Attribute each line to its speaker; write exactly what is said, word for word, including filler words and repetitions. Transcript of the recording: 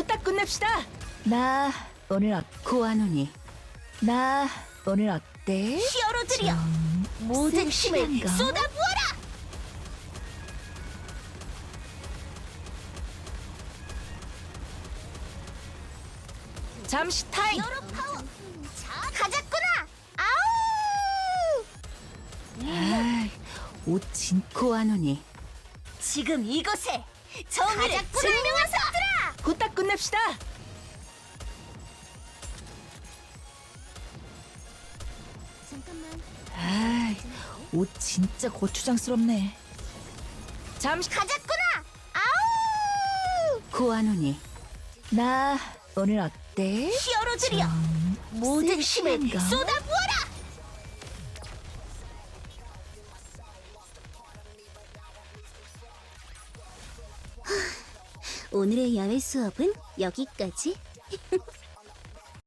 Speaker 1: 후딱 끝냅시다. 나 오늘 어,
Speaker 2: 고아노니
Speaker 1: 나 오늘 어때?
Speaker 2: 히어로들이여 모든 힘을
Speaker 1: 섹시한가?
Speaker 2: 쏟아부어라.
Speaker 1: 잠시 타임.
Speaker 2: 히어로 파워 가자꾸나. 아우
Speaker 1: 아, 옷 진.
Speaker 2: 고아노니 지금 이곳에 정의를 증명하소서.
Speaker 1: 후딱 끝냅시다.
Speaker 2: 잠깐만
Speaker 1: 아, 옷 진짜 고추장스럽네. 잠시
Speaker 2: 가자꾸나. 아우 고아노니
Speaker 1: 나 오늘 어때?
Speaker 2: 히어로들이여 모든 힘을
Speaker 1: 섹시한가?
Speaker 2: 쏟아부어라. 오늘의 야외 수업은 여기까지.